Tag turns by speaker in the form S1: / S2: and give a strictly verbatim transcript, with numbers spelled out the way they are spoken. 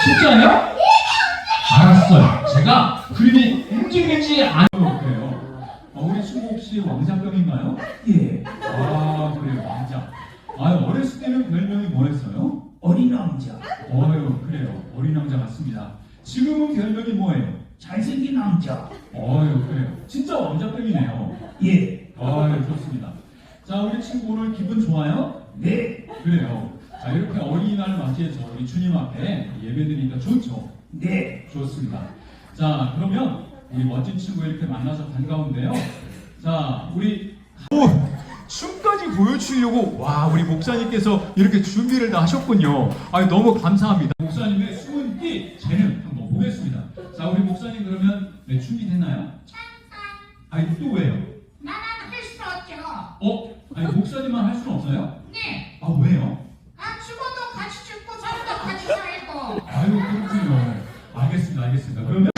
S1: 진짜요? 알았어요. 제가 그림이 움직이지 않아요. 그래요. 어, 우리 친구 혹시 왕자병인가요?
S2: 예,
S1: 아, 그래요. 왕자. 아, 어렸을 때는 별명이 뭐였어요?
S2: 어린 남자,
S1: 어유, 그래요. 어린 왕자 같습니다. 지금은 별명이 뭐예요?
S2: 잘생긴 남자.
S1: 어유, 그래요. 진짜 왕자병이네요.
S2: 예,
S1: 아유, 좋습니다. 자, 우리 친구 오늘 기분 좋아요?
S2: 네,
S1: 그래요. 자, 이렇게 어린이날 맞이해서 우리 주님 앞에 예배드리니까 좋죠?
S2: 네.
S1: 좋습니다. 자, 그러면 우리 멋진 친구 이렇게 만나서 반가운데요. 자, 우리 오, 춤까지 보여주려고 와, 우리 목사님께서 이렇게 준비를 다 하셨군요. 아, 너무 감사합니다. 목사님의 숨은 끼 재능 한번 보겠습니다. 자, 우리 목사님 그러면 네, 준비됐나요? 아니, 또 왜요?
S3: 나는 할 수 없죠.
S1: 어? 아니, 목사님만 할 수는 없어요?
S3: 네.
S1: 아, 왜요?
S3: 아, 죽어도 같이 죽고 살아도 같이 살고.
S1: 아유, 그렇군요. 알겠습니다, 알겠습니다. 그러면